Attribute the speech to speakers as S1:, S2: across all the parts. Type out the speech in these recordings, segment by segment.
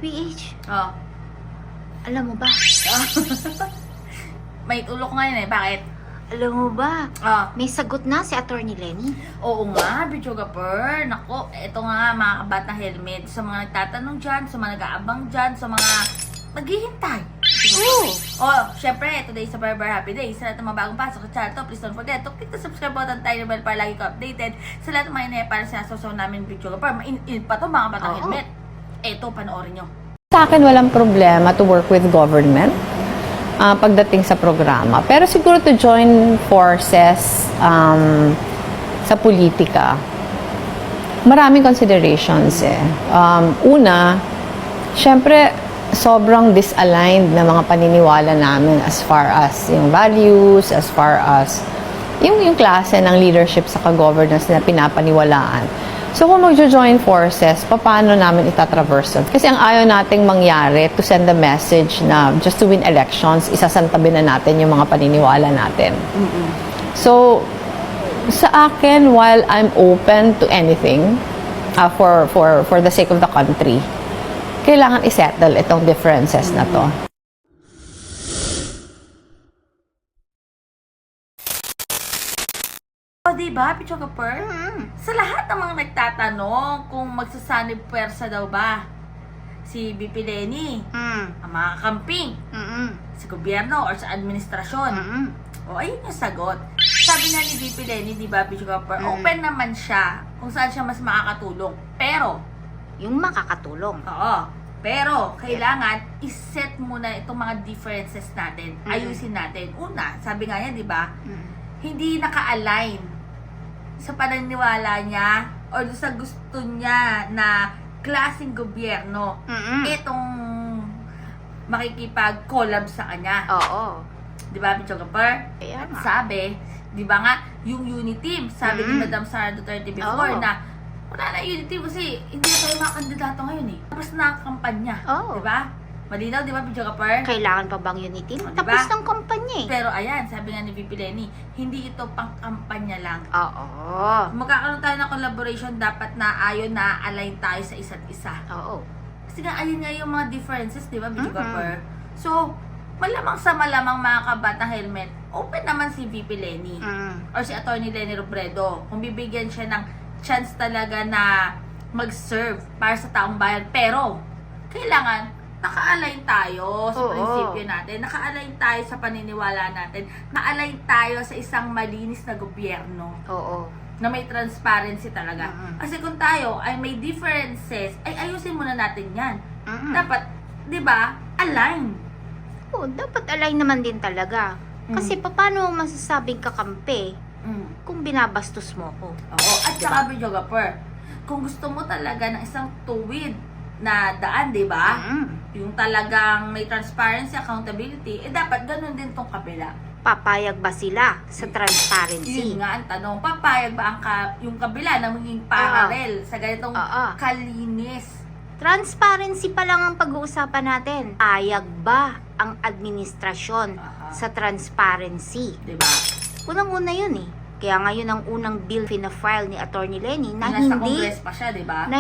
S1: PBH,
S2: Oh.
S1: alam mo ba?
S2: May ulok ngayon eh. Bakit?
S1: Alam mo ba?
S2: Oh.
S1: May sagot na si Attorney Lenny.
S2: Oo nga, Bichogapur. Nako, eto nga mga kabatang helmet. Sa mga nagtatanong dyan, sa mga nag-aabang dyan, sa mga maghihintay.
S1: Oo.
S2: Oh, syempre, today is a very, very happy day. Sa lahat ng mga bagong pasok sa channel to, please don't forget to click the subscribe button, tiny bell para lagi ko updated. Sa lahat ng mga inaya para sinasaw namin Bichogapur. Mainit pa to mga kabatang
S1: Oo.
S2: helmet. Eto, panoorin nyo.
S3: Sa akin, walang problema to work with government pagdating sa programa. Pero siguro to join forces sa politika, maraming considerations eh. Una, syempre, sobrang disaligned na mga paniniwala namin as far as yung values, as far as yung klase ng leadership sa governance na pinapaniwalaan. So, kung magjo-join forces, paano namin itatraverse yun? Kasi ang ayaw nating mangyari to send a message na just to win elections, isasantabi na natin yung mga paniniwala natin. So, sa akin, while I'm open to anything for the sake of the country, kailangan isettle itong differences na to.
S2: O, diba, Bichogapur? Sa lahat ng mga nagtatanong kung magsasanib puwersa daw ba si BP Lenny, ang mga kamping, sa gobyerno or sa administrasyon. O, ayun yung sagot. Sabi nga ni BP Lenny, di ba, Bichogapur, open naman siya kung saan siya mas makakatulong. Pero,
S1: Yung makakatulong.
S2: oo, pero kailangan iset muna itong mga differences natin. Ayusin natin. Una, sabi nga niya, di ba, hindi naka-align sa paniniwala niya o sa gusto niya na klaseng gobyerno itong makikipag-collab sa kanya.
S1: Oo.
S2: Di ba, Bichogapur?
S1: Kaya
S2: At
S1: nga.
S2: sabi, di ba nga, yung Uniteam, sabi ni Madam Sara Duterte before
S1: Oo.
S2: na wala na Uniteam kasi hindi na tayo mga kandidato ngayon eh. Tapos na ang kampanya.
S1: Oo.
S2: Di ba? Malinaw, di ba, Bichogapur?
S1: Kailangan pa bang unity?
S2: O, diba?
S1: Tapos ng kampanya eh.
S2: Pero ayan, sabi nga ni VP Lenny, hindi ito pang kampanya lang.
S1: Oo.
S2: Magkakaroon tayo ng collaboration, dapat na ayon na align tayo sa isa't isa.
S1: Oo.
S2: Kasi nga, ayun nga yung mga differences, di ba, Bichogapur? So, malamang sa malamang mga kabatang helmet, open naman si VP Lenny or si Attorney Lenny Robredo kung bibigyan siya ng chance talaga na mag-serve para sa taong bayan. Pero, kailangan naka-align tayo sa
S1: Oo.
S2: prinsipyo natin, naka-align tayo sa paniniwala natin, na-align tayo sa isang malinis na gobyerno
S1: Oo.
S2: na may transparency talaga. Kasi kung tayo ay may differences, ay ayusin muna natin yan. Dapat, di ba, align.
S1: Oo, dapat align naman din talaga. Kasi paano mo masasabing kakampi kung binabastos mo ko?
S2: Oo. At saka, Bichogapur, kung gusto mo talaga ng isang tuwid na daan, di ba? Yung talagang may transparency, accountability, dapat ganun din tong kabila.
S1: Papayag ba sila sa transparency?
S2: Yun nga ang tanong, papayag ba yung kabila na maging parallel sa ganitong
S1: Oo.
S2: kalinis?
S1: Transparency pa lang ang pag-uusapan natin. Payag ba ang administrasyon sa transparency?
S2: Di ba?
S1: Unang-una yun eh. Kaya ngayon ang unang bill pina-file ni Attorney Lenny na
S2: Nasa
S1: hindi
S2: Congress pa siya, di ba?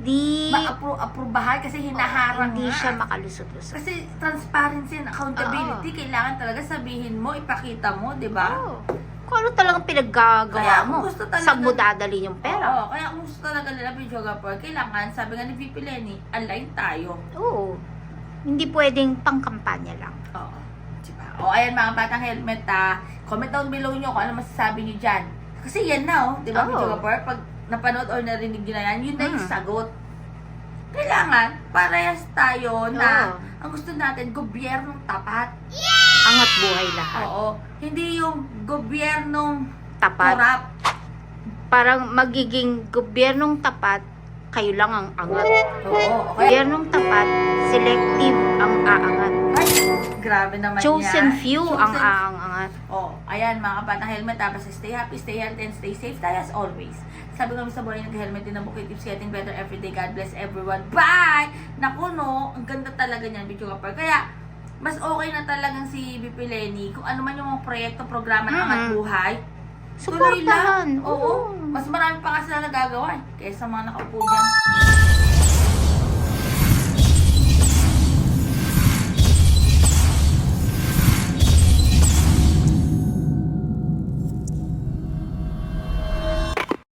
S2: Ma-aprubahan kasi hinaharang
S1: hindi
S2: nga.
S1: siya makalusot-lusot.
S2: Kasi transparency and accountability, kailangan talaga sabihin mo, ipakita mo, di ba?
S1: Oo. Kung ano talagang pinaggagawa
S2: Kaya
S1: mo,
S2: kung gusto talaga-
S1: saan mo dadalhin yung pera?
S2: Oo, kaya kung gusto talaga nila Bichogapur, kailangan, sabi nga ni VP Lenny, align tayo.
S1: Oo. Hindi pwedeng pangkampanya lang.
S2: Oo. Diba? O, ayan mga batang helmet, comment down below nyo kung ano masasabi nyo dyan. Kasi yan na, di ba,
S1: Oo.
S2: Bichogapur? Pag napanood or narinig nyo na yan, yun na yung sagot. Kailangan, parehas tayo na
S1: Oo.
S2: ang gusto natin, gobyernong tapat.
S1: Angat buhay lahat.
S2: Oo. Hindi yung gobyernong
S1: Tapat.
S2: korap.
S1: Parang magiging gobyernong tapat, kayo lang ang angat.
S2: Oo. Okay.
S1: Gobyernong tapat, selective ang aangat.
S2: Ay, grabe naman
S1: Chosen
S2: yan.
S1: few ang aangat.
S2: Oh, ayan mga kabatang helmet, tapos stay happy, stay healthy, and stay safe tayo as always. Sabi kami sa buhay nag-helmet din ang bukid, keeps getting better every day. God bless everyone. Bye! Naku no, ang ganda talaga niyan, Bichogapur. Kaya, mas okay na talagang si BP Lenny, kung ano man yung mga proyekto, programa ng Angat Buhay, tuloy
S1: Suportahan.
S2: lang. Oo.
S1: Oo.
S2: Mas marami pa kasi na nagagawa kaysa mga nakaupo dyan.